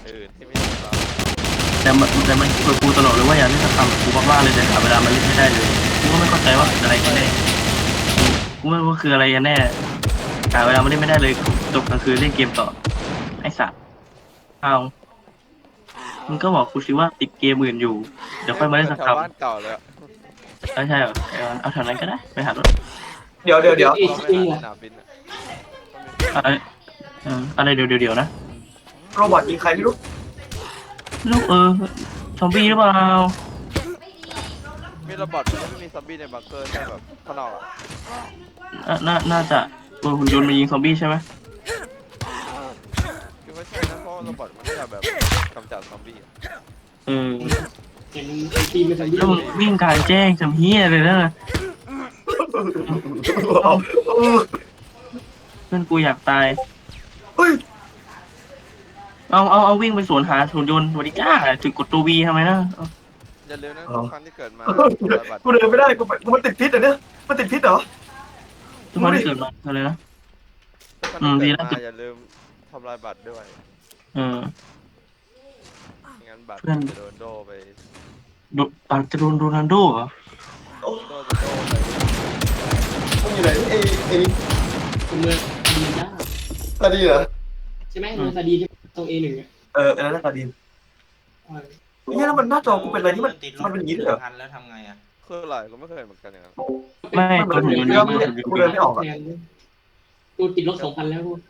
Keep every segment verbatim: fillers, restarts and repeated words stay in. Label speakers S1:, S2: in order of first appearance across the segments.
S1: อื่นที่ไม่ใช่เรา
S2: แต่มันแต่มันคุยกูตลอดเลยว่าอยากเล่นสักคำกูมากๆเลยแต่หาเวลามาเล่นไม่ได้เลยกูก็ไม่เข้าใจว่าคืออะไรกันแน่กูไม่รู้ว่าคืออะไรกันแน่หาเวลามาเล่นไม่ได้เลยจบกลางคืนเล่นเกมต่อไอ้สัสเอามึงก็บอกกูสิว่าติดเกมอื่นอยู่เดี๋ยวค่อยมาเล่นสัก
S1: แถ
S2: ค
S1: วบ้านเก่าเลยอะ
S2: ำไม่ใช่เหรอเอาเอาแถวนั้นก็ได้ไปหารถ
S3: เดี๋ยวเดี๋ยวเดี๋ยว
S1: เราไปหาสนามบินอะ
S2: อะไรเอออะไรเดี๋ยวเดี๋ยวเดี๋ยวนะ
S3: โรบอทยิงใครไม่รู้
S2: ลูกเออซอมบี้หรือเปล่า
S1: มีระเบิดไม่มีซอมบี้ในบังเกอร์ใช่แบบข้างนอกอะ
S2: น่าน่าน่าจะตัวหุ่นยนต์มายิงซอมบี้ใช่ไหม
S1: คือไม่ใช่นะเพราะระเบิดมันจะแบบกำจัดซอมบี้อะ
S2: เออ
S4: เห็นตีไม่ทัน
S2: แล้วมึงวิ่งกลางแจ้งจำเฮียเลยนะเพื่อนกูอยากตาย
S3: เฮ้ย
S2: เอาเอาเอาวิ่งไปสวนหาหุ่นยนต์สวัสดีจ้าถึงกดตัววีทำไมนะเอา
S1: อย่าลืมนะทุกครั้งที่เกิดมาระเบิด
S3: กูเดินไม่ได้กูกูมันติดพิษเหรอเนี่ยมันติดพิษเหรอ
S2: ทุกคนที่เกิดมาอะไรนะ
S1: ทุกครั้งที่เกิดมาอย่าลืมทำลายบัตรด้วย
S2: เออ
S1: งั้นบัตร
S2: เพื่อน
S1: จะโดนโดไป
S2: โดปากจะโดนโรนัลโดเหรอ
S1: โดจะโดไป
S3: มึงอยู่ไหนเอเอ
S4: เมืองดีจ้า
S3: ตาดีเหรอ
S4: ใช่ไหมเมืองซาดีที่ตรงเอหนึ่งอ่ะ
S3: เอออันนั้นน่าตาดีเนี่ยแล้วมันหน้าจอกูเป็นอะไรที่มันมันเป็นอย่างนี้เลยเหรอ
S5: พันแล้วทำไงอ่ะ
S1: คืออะไรก็ไม่เคยเห็นเหมือนกันอย่างนั้น
S2: ไม่ตัวหุ่นยนต์ยิงหุ่นยนต์ยิง
S3: กูเดินไม่ออกอ่ะ
S4: กูติดลบสองพันแล้วกู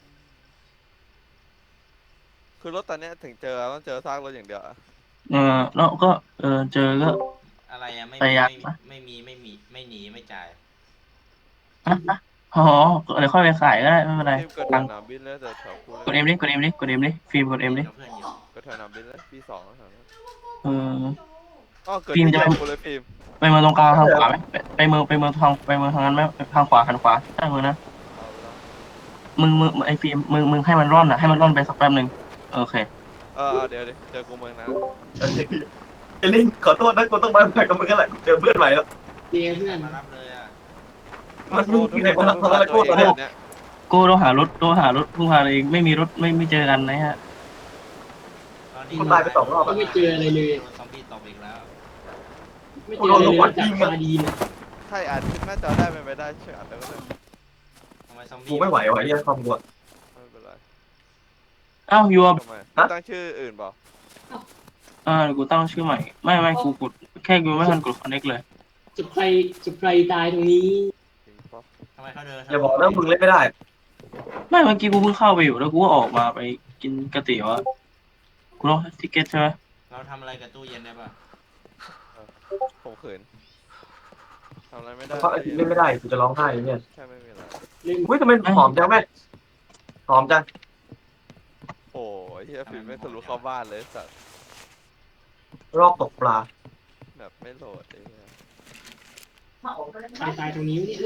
S1: คือรถตอนเนี้ยถึงเจอต้องเจอซากรถอย่างเดียวอะ
S2: เออแล้วก็เออเจอก็
S5: อะไรอ่ะไม่
S2: ไป
S5: มี
S2: ยัด
S5: ไม่
S2: ปะ
S5: ไม่มีไม่มีไม่หนีไม่จ่าย
S2: อ่ะอ่ะอ๋อเดี๋ยวค่อยไปขายก็ได้ไม่เป็นไร
S1: ทีมเกิด
S2: ตั
S1: ส
S2: งค์
S1: นามบินแล้วแต่แถวกู
S2: กดเอ็มดิกดเอ็มดิกดเอ็มดิฟิล์มกดเอ็มดิ
S5: กับเพื่อนอยู่
S1: ก็แถวสนามบินแล้วปีสองแถวนั้น
S2: เออ
S1: อ๋อเกิด
S2: ฟิล์ม
S1: ที่
S2: จะ
S1: เดียวกูเลยฟิล์ม
S2: ไปเมืองตรงกลางทางขวาไหมไปไปเมืองไปเมืองทางไปเมืองทางนั้นไหมทางขวาหันขวาใช่เมืองนะ
S1: เอาไปแล้ว
S2: มึงมึงไอฟิล์มมึงมึงให้มันร่อนอ่ะให้มันร่อนไปสักแป๊บหนึ่งโอเค
S1: เออเอาเดี๋ยวดิเจอกูเมืองนะ
S3: เอลิงขอโทษนะกูต้องมาใหม่กับมึงกันแหละเจอเพื่อนใหม่แล้ว
S4: เดียเพื่อน
S5: มารับเลยอ่ะ
S3: มันมึงที่ไหนคนละคนละโทษตอนนี้
S1: เนี่ย
S2: โก้ต้องหารถต้องหารถพึ่งพาเองไม่มีรถไม่ไม่เจอกันนะฮะ
S5: ตอนนี้
S3: คนตายไปสองรอบ
S4: ก็
S3: อ่ะ
S4: ไม่เจออะไรเลย
S5: โดนซอมบี้ตบอีกแล้ว
S4: ไม่เจออะไรเลยจากซาดีน
S1: ถ้าอ่านหน้าจอได้เป็นไปได้ช่วยอ่านได้ก็ได้
S5: ทำไมซอมบี้
S3: กูไม่ไหวว่ะไอ้เหี้ยความกลัว
S1: ไม่เป็นไร
S2: อ้าวยูอ่ะ
S1: ทำไมตั้งชื่ออื่นเปล่า
S2: อ่ากูตั้งชื่อใหม่ไม่ไม่กูกดแค่กูไม่ทันกดคอนเน็กเลย
S4: จะใครจะใครตายตรงนี้
S1: จริงปะ
S5: ทำไมเขาเดิน
S3: อย่าบอกนะมึงเล่นไม่ได้
S2: ไม่เมื่อกี้กูเพิ่งเข้าไปอยู่แล้วกูก็ออกมาไปกินก๋วยเตี๋ยวอ่ะกูต้องทิเก็ตใช่ไหม
S5: เราทำอะไรกับตู้เย็นได้ป่ะ
S1: ผมเขินทำอะไรไม่ได้
S3: เพราะไอ้ที่เล่นไม่ได้กูจะร้องไห้เนี่ย
S1: แค่ไม่มีอะไร
S4: เล่น
S3: อุ้ยทำไมหอมจังแม่หอมจัง
S1: โอ้ยเฮียฟิล์มไม่ทะลุเข้าบ้านเลยสัตว์
S3: รอบตกปลา
S1: แบบไม่โหลดไอ้เหี้ย
S4: ใครตายตรงนี้เนี่ย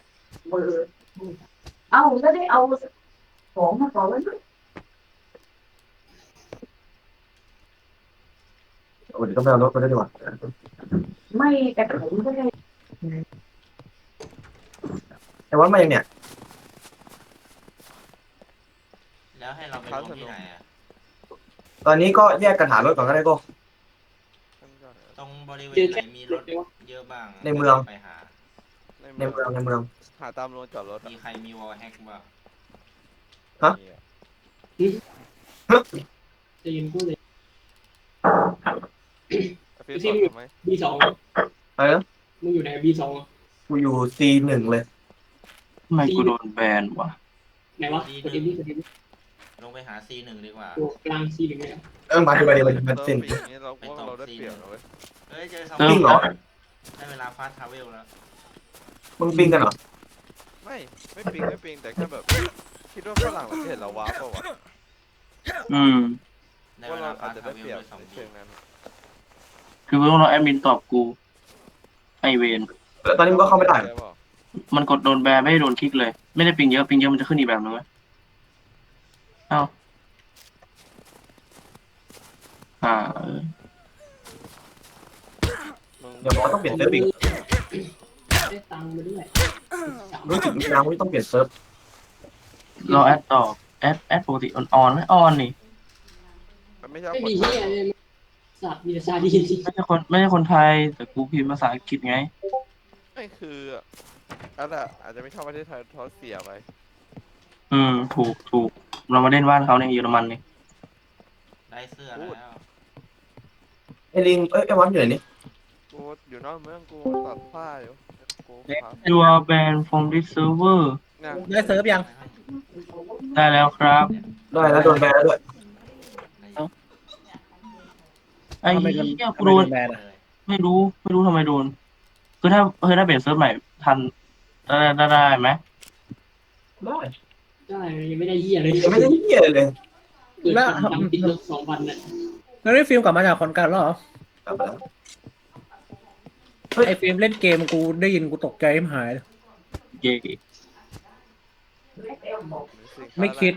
S6: เอาแล้วได้เอาของมาก่อนแล้วด้วย
S3: โอ้เดี๋ยวต้องไปเอารถมาด้วยดีกว่า
S6: ไม่แต่ผมก็ได้
S3: แต่ว่ามายังเนี่ย
S5: แล้วให้เราไปลงที่ไหนอ่ะ
S3: ตอนนี้ก็แยกกันหารถก่อนก็ได้ก็
S5: ตรงบริเว
S4: เจอ
S5: ณไหน
S4: แค่
S5: มี
S4: ร
S5: ร
S4: ถ
S5: ถ
S4: เลยวะ
S5: เยอะบ้าง
S3: ในเมือง
S5: ไปหา
S1: ใน
S3: ในเมืองในเมือง
S1: หาตามโรงจอดรถอะ
S5: มีใครมีวอลแฮกบ้าง
S3: ฮะ
S1: มีอ
S4: จะยินกูเลย
S1: ฟิล์มตอบทำไหม
S4: บีสอง
S3: เออ
S4: มึงอยู่ไหนบีสอง
S3: กูอยู่ ซี หนึ่งเลย
S2: ทำไมกูโดนแบนวะ
S4: ไหนวะกดเอ็มดีกดเอ็มดี
S5: ลงไปหา ซี หนึ่งดีกว่า
S4: ตัวกลางซีหนึ่งเลย
S3: เออมาดีมาดีมาดีมาสิ้น
S1: เติมปีนี้เราว่าเราได้เปรียบนะเว้ย
S5: เฮ้ยเจอซอม
S3: จริ
S5: บี้
S3: งเหรอ
S5: ได้เวลาฟาสต์ทราเวลแล้ว
S3: มึงปิ้งกันเหรอ
S1: ไม่ไม่ปิงไม่ปิงแต่แค่แบบคิดว่าฝรั่งเราจะเห็นเราว้าเปล่าวะ
S2: อืม
S5: ได้
S1: ว่า
S5: เว
S1: เรา
S5: ลา
S1: อา
S5: ฟา
S1: จ
S5: สต์
S1: จะ
S5: ทรา
S1: ได้
S5: เวล
S1: เปรียบ
S5: ด้วยซอม
S1: ใน
S5: บี้
S1: เชิงนั้น
S2: คือกูต้องรอแอดมินตอบกูไอเวน
S3: แล้วตอนนี้มึงก็เข้าไม่ได้
S1: ใช่เปล่า
S2: มันกดโดนแบนไม่ได้โดนคลิกเลย ไม่ได้ปิงเยอะปิงเยอะมันจะขึ้นอีกแบบนึงเว้ยเอ้าอ่าเออ
S1: มึง
S3: เดี๋ยวบอกว่าต้องเปลี่ยนเซิร์ฟอีก
S4: ได้ตังค์มาด้วย
S3: รู้สึกมีน้ำว่าต้องเปลี่ยนเซิร์ฟ
S2: รอแอดตอบแอดแอดปกติออนออนไหมออนนี่
S1: แป๊บไม่ใช่
S4: ไม่
S1: คน
S4: มี
S1: ไท
S4: เฮี
S1: ย
S4: ยเลยสัตว์มีแต่ซาดีน
S2: ไม่ใช่คนไม่ใช่คนไทย แต่กูพิมพ์ภาษาอังกฤษไง
S1: ไม่คืออันน่ะอาจจะไม่ชอบประเทศไทยเพราะเสียไป
S2: อืมถูกถูกเรามาเล่นบ้านเขาในเยอรมันนี่
S5: ได้เสื้อแล้ว
S3: ไอ้ลิงเอ้ยไอ้วันอยู่ไหนนี่
S1: กูอยู่นอกเมืองกูตัดผ้าอยู่กูครับ
S2: You are banned from this server
S1: เนี่ย
S7: ได้เซิร์ฟยัง
S2: ได้แล้วครับ
S3: ได้แล้วโดนแบนแล้วด้วย
S2: ไอ้
S7: ทำไมโดน
S2: เหี้ย
S7: ทำ
S2: กู
S7: ไม
S2: โด
S7: โด
S2: น
S7: นแบนอ่ะ
S2: ไม่รู้ไม่รู้ทำไมโดน คือถ้าคือถ้าเปลี่ยนเซิร์ฟใหม่ทันได้ได้ได้ไหม
S3: ได้
S4: ได้ยังไม่ได้เฮียเลย
S3: ยังไม่ได้เหี้ยเลย
S4: เกิดความจำติดลบสองวันน่ะ
S7: แล้วได้ฟิล์มกลับมาจากคอนการแล้วเหรอ
S3: กลับมาแล้ว
S7: ไอ้ฟิล์มเล่นเกมกูได้ยินกูตกใจไม่หายเลย
S2: เย่
S7: ไม่คิด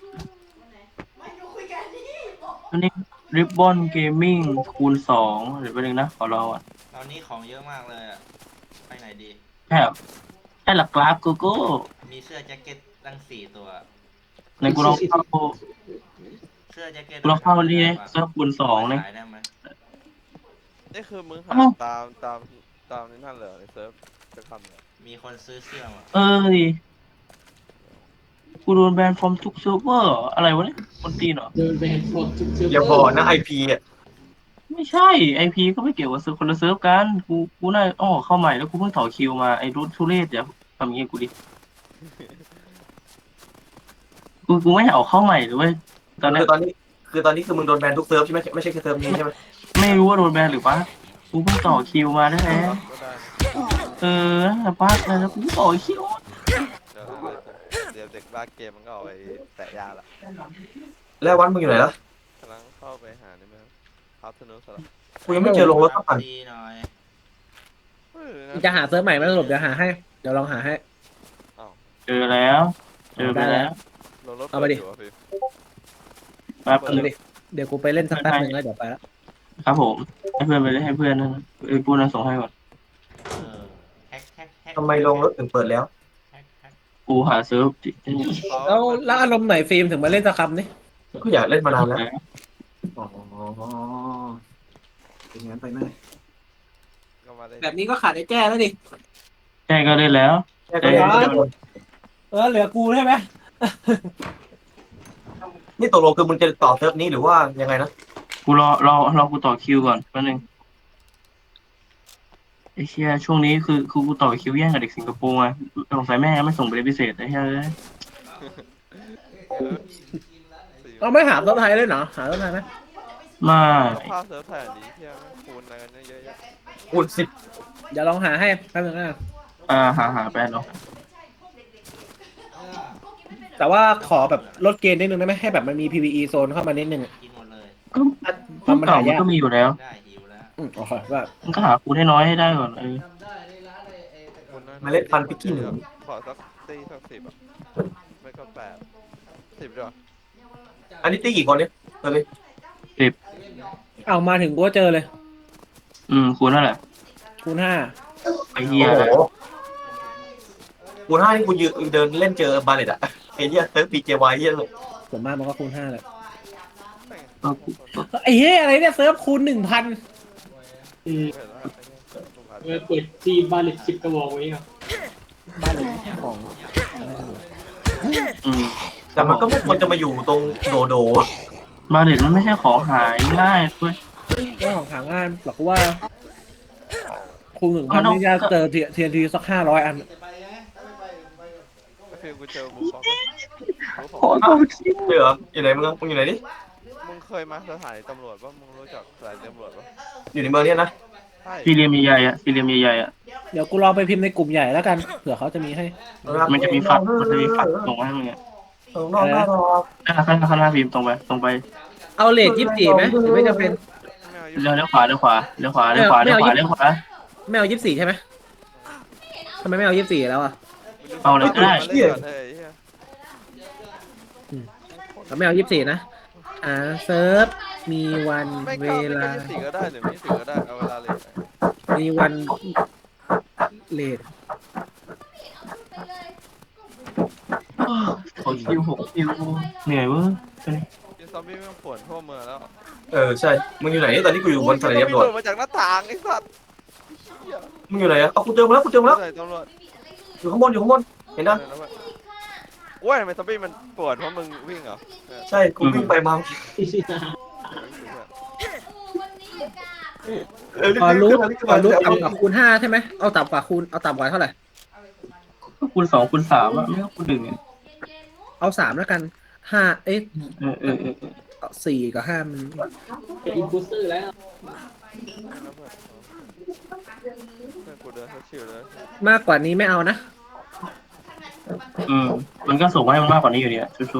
S2: อันนี้ Ribbon Gaming คูณสองเดี๋ยวไปหนึ่งนะขอรออ่ะ
S5: ตอนนี้ของเยอะมากเลยอะไปไหนดี
S2: แค่แค่หลักกราฟกูกู
S5: มีเสื้อแจ็คเก็ตตั้งสี่ตัว
S2: ในกูลองเข้า
S5: เสื้อแจ็คเก็ต
S2: กูลองเข้านี่เซิร์ฟคูณสองเลย
S5: ขายได้ไหม
S1: นี่คือมึงหา
S2: อ้าว
S1: ตามตามตามนี่นั่นเหรอในเซิร์ฟจะทำเหรอ
S5: มีคนซื้อเสื้อมา
S2: เอ้ยกูโดนแบนฟอร์มทุกเซิร์ฟเวอร์เหรออะไรวะเนี่ยคนตีนเหรอ
S4: เดินไปแฮนด์ฟอร์ดทุกเซิร์ฟเวอร์
S3: อย่าบอกนะไอพีอ่ะ
S2: ไม่ใช่ไอพีก็ไม่เกี่ยวกับเซิร์ฟคนละเซิร์ฟกันกูกูน่าอ้อเข้าใหม่แล้วกูเพิ่งต่อคิวมาไอ้รุ่นทุเรศอย่าทำอย่างงี้กับกูดิกูกูไม่อยากเอาเข้าใหม่หรือเว้ยตอนนี้
S3: คือตอนนี้คือตอนนี้คือมึงโดนแบนทุกเซิร์ฟใช่ไหมไม่ใช่แค่เซิร์ฟนี้ใช่ไหม
S2: ไม่รู้ว่าโดนแบนหรือปะกูเพิ่งต่อคิวมาได้แล้
S1: ก็ได้
S2: เออแต่ป้าแล้วกูต่อคิว
S1: เดี๋ยวเดี๋ยวเด็กบ้าเกมมันก็เอาไปแตะยาละ
S3: แล้ววันมึงอยู่ไหนล่ะ
S1: กำลังเข้าไปหานี่มั้ยครับทนุสละ
S3: กูยังไม่เจอลงรถสักคัน
S5: ดีหน่อย
S1: เฮ้ย
S7: จะหาเซิร์ฟใหม่ไหมสรุปเดี๋ยวหาให้ เดี๋ยวลองหาให้
S2: เจอแล้ว เจอไปแล้ว
S1: ลงรถ
S7: เอาไปดิ
S1: ยู่ะพี่
S2: แป๊บ
S7: เอา
S2: นึง
S7: ดิเดี๋ยวกูไปเล่นสักแป๊บนึงแล้วเดี๋ยวไปละ
S2: ครับผมให้เพื่อนไปเลยให้เพื่อนนั่นไอ้ปูนั้นส่งให้ก่อน
S5: เออแฮกแฮกแฮก
S3: ทำไมลงรถถึงเปิดแล้ว
S5: แฮกแฮก
S2: กูหาเซิร์ฟที่
S7: แล้วแล้วอารมณ์ไหนฟิล์มถึงมาเล่นสักคำนี่
S3: ก็อยากเล่นมานานแล้วอ๋อเป็นงั้นไปไหม
S1: ก็มาได้
S7: แบบนี้ก็ขาดไอ้แจ้แล้วดิ
S2: แจ้ก็ได้แล้ว
S3: แค่ก็เล่นทุกคน
S7: เออเหลือกูใช่ไหม
S3: นี่ตกลงคือมึงจะต่อเซิร์ฟนี้หรือว่ายังไงนะ
S2: กูรอรอรอกูต่อคิวก่อนแป๊บนึงไอ้เชี่ยช่วงนี้คือคือกูต่อคิวแย่งกับเด็กสิงคโปร์อ่ะสงสัยแม่ไม่ส่งไปเรียนพิเศษไอ้เหี้ยเอ้ย
S7: เราไม่หาเซิร์ฟไทยเลยเหรอหาเซิร์ฟไทยไหม
S2: ไม่
S1: ภาพเซิร์ฟไทยอันนี้เที่ยแม่งคูณอะไรกันเยอะแยะ
S3: คูณสิบ
S7: เดี๋ยวลองหาให้แป๊บนึงนะ
S2: อ่าหาหาแปดเนาะ
S7: แต่ว่าขอแบบลดเกณฑ์นิดนึงได้ไหมให้แบบมันมี พี วี อี โซนเข้ามานิดนึงอะ
S5: กินหมดเลย
S2: ก็ก็เก่ามันก็มีอยู่แล้ว
S5: ได้หิวแล้ว
S7: อืมโอเคว่า
S2: มันก็หาคูณให้น้อยให้ได้ก่อนเออ
S1: คูณน้อยๆ
S3: เมล็ดพันธุ์พิกกี้หนึ่ง
S1: ขอสักตีสักสิบอ่ะไม่ก็แปดสิบดีกว่า
S3: อันนี้ตีกี่คนเนี่ยเออเลย
S7: เอามาถึงกูก็เจอเลย
S2: อืมคูณเท่าไหร่
S7: คูณห้า
S2: ไอ้เหี้ย
S3: โอ้โหคูณห้านี่กูยืนเดินเล่นเจอบาเลตอะไอ้เหี้ยเซิร์ฟปีเจวายเหี้ยเลย
S7: ส่วนมากมันก็คูณห้าแหละ
S2: เออกู
S7: ไอ้เฮ้ยอะไรเนี่ยเซิร์ฟคูณหนึ่งพัน
S4: อืม
S1: เห็นแล้ว
S4: เออเปิดซีบาเลตสิบกระบอกไว้ครับ
S7: บ้านเลยของ
S2: อืม
S3: แต่มันก็ไม่ควรจะมาอยู่ตรงโดโด
S2: มาเด็ดมันไม่ใช่ของหายง่ายเว้ย
S7: เรื่องของหางานหรอกว่าคูณหนึ่งพันนี่จะเจอเทียนทีสักห้าร้อยอัน
S1: ฟิลกูเจอบุฟฟอกบุฟฟ
S2: ขอ
S1: อก
S2: เอาชิ้น
S3: เดี๋ยวอยู่ไหนมึงมึงอยู่ไหนดิ
S1: มึงเคยมาสถานีตำรวจปะมึงรู้จักสถานีตำรวจปะ
S3: อยู่ในเมืองเนี้ยนะ
S1: ใช่
S2: สี่เหลี่ยมใหญ่ๆอ่ะสี่เหลี่ยมใหญ่ๆอ่ะ
S7: เดี๋ยวกูลองไปพิมพ์ในกลุ่มใหญ่แล้วกันเผื่อเขาจะมีให้
S2: มันจะมีฝักมันจะมีฝักส่งมาให้มึงอ่ะ
S3: เออนอกหน้ารอ
S2: ข้างหน้าข้างหน้าข้างหน้าพิมพ์ตรงไปตรงไป
S7: เอาเลทยี่สิบสี่ไหมหรือไม่จำเป็น
S1: ไม่เอา
S2: เลี้ยวเลี้ยวขวาเลี้ยวขวาเลี้ยวขวาเลี้ยวขวาเลี้ยวขวาเลี้ยวขวา
S7: ไม่เอายี่สิบสี่ใช่ไหมทำไมไม่เอายี่สิบสี่แล้วอ่ะ
S2: เอาเลยก็ได้
S1: มาเล่นก่อนเฮ้ยเหี้ย
S7: เราไม่เอายี่สิบสี่นะอ่าเซิร์ฟมีวัน
S1: ไม่
S7: เว
S1: ก็ไม่
S7: ลา
S1: ก็ยี่สิบสี่ก็ได้หรือไม่ยี่สิบสี่ก็ได้เอาเวลาเลย
S7: มีวันเลท
S2: ขอคิวหกคิวเหนื่อยเว้ย
S1: ยี่สิบสอมบี้ไม่ป่วนทั่วเมืองแล้ว
S3: เออใช่มึงอยู่ไหนตอนนี้กูอยู่บนสถานี
S1: โอ้ย
S3: ตำรวจ
S1: โดดมาจากหน้าต่างไอ้สัตว์
S3: มึงอยู่ไหนอะเอากูเจอมาแล้วกูเจอมาแล้ว
S1: ไหนตำรวจ
S3: อยู่ข้างบนอยู่ข้างบนเห็นนะ
S1: โอ้ยทำไมซอมบี้มันปวดเพราะมึงวิ่งเหรอ
S3: ใช่กูวิ่งไปมาเออ
S7: พอรู้
S3: รีบ
S7: พอรู้
S3: รีบ
S7: ต่ำกว่าคูณห้าใช่ไหมเอาต่ำกว่าคูณเอาต่ำกว่าเท่าไหร่
S2: คูณสองคูณสามอะไม่ก็คูณหนึ่งอะ
S7: เอาสามแล้วกันห้าเอ๊ะ
S2: เออเออเออเออ
S7: สี่กับห้ามัน
S4: เป็นอินพุสเตอร์แล้ว
S1: เพื่อนกูเดินเขาชิวเลย
S7: มากกว่านี้ไม่เอานะ
S2: อืมมันก็ส่งมาให้มันมากกว่านี้อยู่ดีอะสู้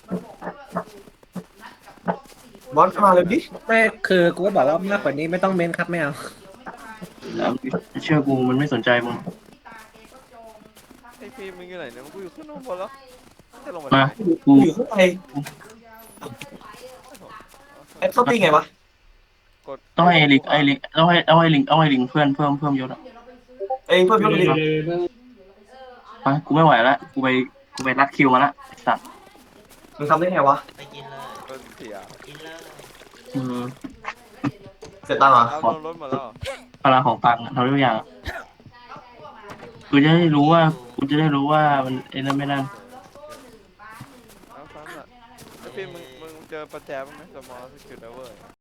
S3: บอลมาเลยดิ
S7: ไม่คือกูก็บอกว่ามากกว่านี้ไม่ต้องเม้นครับไม่เอา
S2: ๆแล้วเชื่อกูมันไม่สนใจมึง
S1: ไอ้ฟิล์มมึงอยู่ไหนเนี่ยมึงกูอยู่ขึ้นข้างบนแล้วจะลงมา
S2: มา
S1: ไหน
S2: กู
S3: อยู่ข้างในไอ้เข้าตีไงวะ
S1: กด
S2: ต้องให้ไอ้ลิงไอ้ลิงต้องให้เอาไอ้ลิงเอาไอ้ลิงเพื่อนเพิ่มเพิ่มยศอะ
S3: เองเพิ่ม
S4: เดี๋
S3: เพิ่
S4: ยว
S3: ม
S4: เดี๋
S3: ดิ
S4: ยวเดี๋ยว
S2: ไปกูไม่ไหวแล้วกูไปกูไปรัดคิวมาละไอ้สัตว์
S3: มึงทำได้ไงวะ
S5: ไปกินเลย
S1: กดเสีย
S5: กินเลย
S2: อืม
S3: เสร็จตังค์เหรอ
S1: เอาลงรถมาแล้ว
S2: พลังของตังค์อะทำได้ทุกอย่างอะกูจะได้รู้ว่ากูจะได้รู้ว่ามันไอ้นั่นไม่นั่น
S1: เอาซ้ำอ่ะไอ้ฟิล์มมึงมึงเจอประแจบ้างไหมสมอลสกิลเดเวอร์